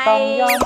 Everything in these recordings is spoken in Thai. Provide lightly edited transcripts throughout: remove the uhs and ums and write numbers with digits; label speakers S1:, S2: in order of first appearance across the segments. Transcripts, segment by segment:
S1: ต้องยอม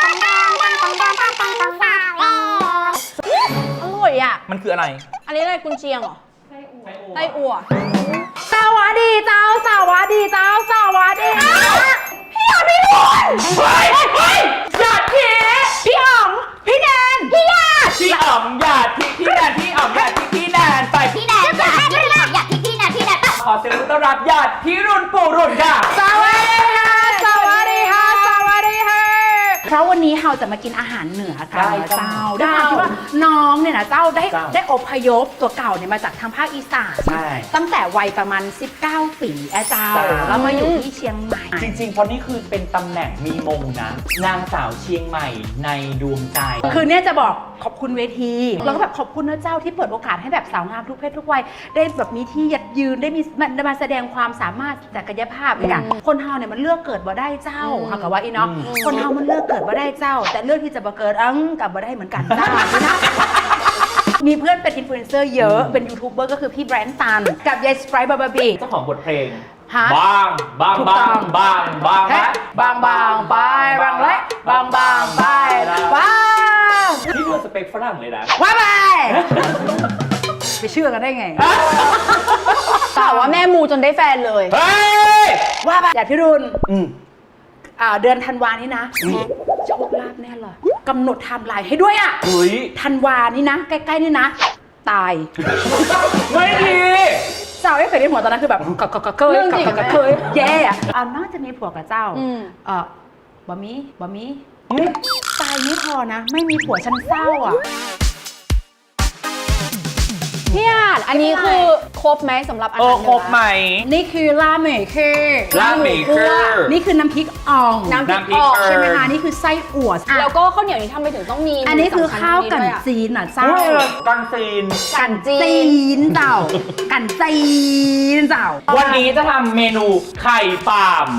S2: อร่อยอ่ะ
S1: มันคืออะไร
S2: อันนี้อะไรกุนเชียงเหรอไส้อั่ว
S3: สวัสดีเจ้าสวัสดีเจ้าสวัสดีพี่อ๋อมพี่บุญหยาดพี่อ๋อมพี่แนนพี่หยาด
S1: พี่อ๋อมหยาดพี่แนนพี่อ๋อมหยาดพี่แนนไป
S3: พี่แนนหยาดพี่อ๋อมหยาดพี่แนน
S1: ขอเสียงต้อนรับหยาดพี่รุ่นปู่รุ่นค่ะ
S3: สวัสดีค่ะสวัสดีค่ะสวัสดีค่ะเพราะวันนี้เราจะมากินอาหารเหนือกันนะเจ้าด้วยความที่ว่าน้องเนี่ยนะเจ้าได้อพยพตัวเก่าเนี่ยมาจากทางภาคอีสานตั้งแต่วัยประมาณ19 ปีเจ้าแล้วมาอยู่ที่เชียงใหม่
S1: จริงๆเพราะนี่คือเป็นตำแหน่งมีมงนะนางสาวเชียงใหม่ในดวงใจ
S3: คือเนี่ยจะบอกขอบคุณเวทีแล้วก็แบบขอบคุณนะเจ้าที่เปิดโอกาสให้แบบสาวงามทุกเพศทุกวัยได้แบบมีที่ยืนได้มีมาแสดงความสามารถศักยภาพอีกอ่ะคนเฮาเนี่ยมันเลือกเกิดบ่ได้เจ้าค่ะกับว่าอีเนาะคนเฮามันเลือกเกิดบ่ได้เจ้าแต่เลือกที่จะบ่เกิดกับบ่ได้เหมือนกันเจ้านะมีเพื่อนเป็นอินฟลูเอนเซอร์เยอะเป็นยูทูบเบอร์ก็คือพี่แบรนด์ตันกับยายสไปร์บาร์บี
S1: เจ้าของบทเพลง
S3: บ
S1: างไปบางและ
S3: บางไป
S1: นี่ดูสเปคฝรั่งเลยนะ
S3: ว่าไปเชื่อกันได้ไง
S2: แต่ว่าแม่มูจนได้แฟนเลย
S3: ว่าไปอย่าพี่รุนเดือนธันวานี้นะโชคลาภแน่เลยกำหนดไทม์ไลน์ให้ด้วยอ่ะธันวานี้นะใกล้ๆนี่นะตาย
S1: ไม่ดี
S3: เจ้าไม่เคยได้ผัวตอนนั้นคือแบบเคยแย่อ่ะน่าจะมีผัวกับเจ้าบะมี่ตายไม่พอนะไม่มีผัวฉันเศร้าอ่ะ
S2: พี่อาจอันนี้คือครบไหมสำหรับอาหารเหนือ
S1: ครบไหม
S3: นี่คือลาเมคือนี่คือน้ำพริกอ่องใช่ไหมคะนี่คือไส้อั่ว
S2: แล้วก็ข้าวเหนียวนี้ทำไปถึงต้องมี
S3: อันนี้คือข้าวกันจีนอ่ะเจ้า
S1: กันจีน
S3: เจ้ากันจีนเจ้า
S1: วันนี้จะทำเมนูไข่ปาล์ม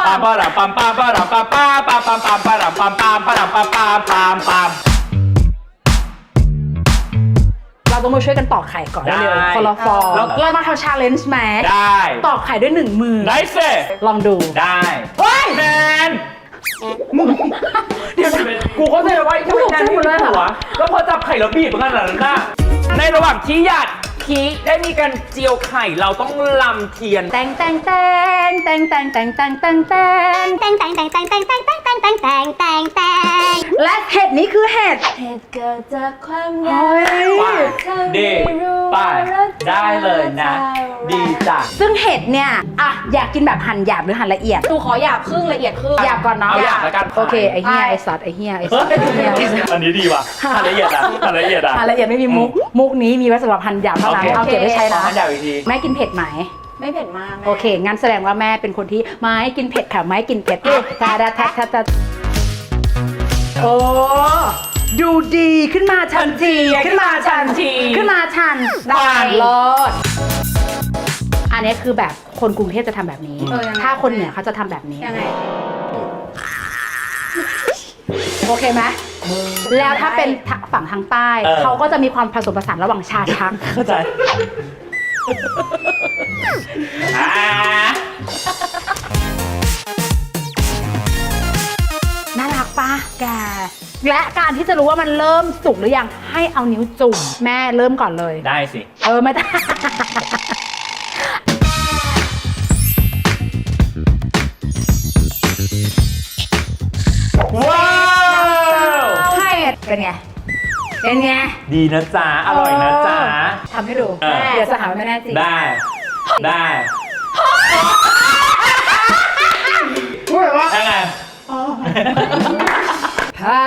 S3: เราต้องมาช่วยกันตอกไข่ก่อนเร็วคนละฟองเรามาทำชาเลนจ์แม็ก
S1: ได้
S3: ตอกไข่ด้วย1 มือ
S1: ได้สิ
S3: ลองดู
S1: ได้แมนเดี๋ยวกูเข้าใจว่าทำไมแนนไม่หัวแล้วพอจับไข่แล้วบีบขนาดนั้นน่ะในระหว่างที่หยาดพีได้มีการเจียวไข่เราต้องลำเทียน
S3: แต่งและเห็ดนี้คือเห็ด
S2: เกิดจากความอยาก
S1: ดีป่ะได้เลยนะดีจ้ะ
S3: ซึ่งเห็ดเนี่ยอยากกินแบบหั่นหยาบหรือหั่นละเอียด
S2: ดูขอหยาบครึ่งละเอียดครึ่ง
S3: หยาบก่อนเนาะ
S1: หยาบแล้วกัน
S3: โอเคไอ้เหี้ยไอ้สัตว์ไอ้เหี้ย
S1: อันนี้ดีว่ะหั่นละเอียดหั่นละเอียด
S3: ไม่มีมุกนี้มีไว้สำหรับหั่นหยาบเท่านั้นเอาเก็บไว้ใช้นะแม่กินเผ็ดไหม
S2: ไม่เผ็ดมาก
S3: โอเคงั้นแสดงว่าแม่เป็นคนที่ไม่กินเผ็ดค่ะไม่กินเผ็ดตาโอ้ดูดีขึ้นมาทันทีได้รอดอันนี้คือแบบคนกรุงเทพจะทำแบบนี้ถ้าคนเหนือเขาจะทำแบบนี้
S2: ยังไง
S3: โอเคไหมแล้วถ้าเป็นฝั่งทางใต้เขาก็จะมีความผสมผสานระหว่างชาชัก
S1: เข้าใจ
S3: น่ารักปะแกและการที่จะรู้ว่ามันเริ่มสุกหรือยังให้เอานิ้วจุ่มแม่เริ่มก่อนเลย
S1: ได้สิ
S3: ไม่ได้
S1: ว้าว
S3: ให้เป็นไง
S1: ดีนะจ๊ะอร่อยนะจ๊ะ
S3: ทำให้ดูเดี๋ยวจะหาไม่แน่จริง
S1: ได้ยังไง
S3: พา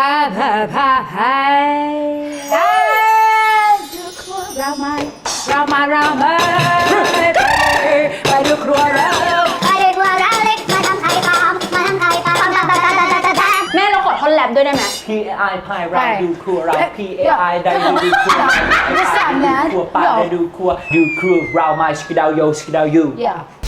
S3: เรามาไปดูครัวเรา
S2: แม่เราขอท่อนแรปด้วยได้ไหม
S1: PAI พายเราดูครัวเรา PAI ได้ดูครัวครัวป้าได้ดูครัวเรามาสกิดาวโย